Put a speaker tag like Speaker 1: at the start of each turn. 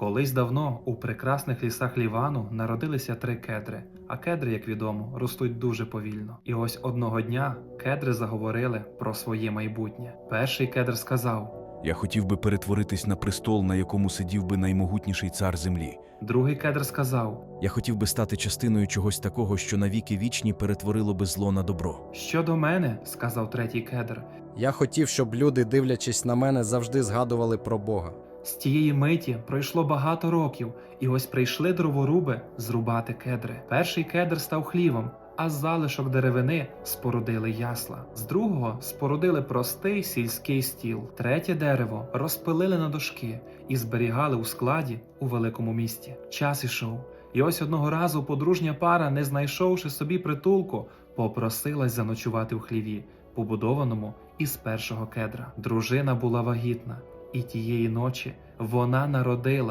Speaker 1: Колись давно у прекрасних лісах Лівану народилися 3 кедри, а кедри, як відомо, ростуть дуже повільно. І ось одного дня кедри заговорили про своє майбутнє. Перший кедр сказав,
Speaker 2: Я хотів би перетворитись на престол, на якому сидів би наймогутніший цар землі.
Speaker 1: другий кедр сказав,
Speaker 2: Я хотів би стати частиною чогось такого, що навіки вічні перетворило би зло на добро.
Speaker 1: щодо мене, сказав третій кедр.
Speaker 3: Я хотів, щоб люди, дивлячись на мене, завжди згадували про Бога.
Speaker 1: З тієї миті пройшло багато років, і ось прийшли дроворуби зрубати кедри. Перший кедр став хлівом, а з залишок деревини спорудили ясла. З другого спорудили простий сільський стіл. Третє дерево розпилили на дошки і зберігали у складі у великому місті. Час ішов, і ось одного разу подружня пара, не знайшовши собі притулку, попросилась заночувати в хліві, побудованому із першого кедра. Дружина була вагітна, і тієї ночі вона народила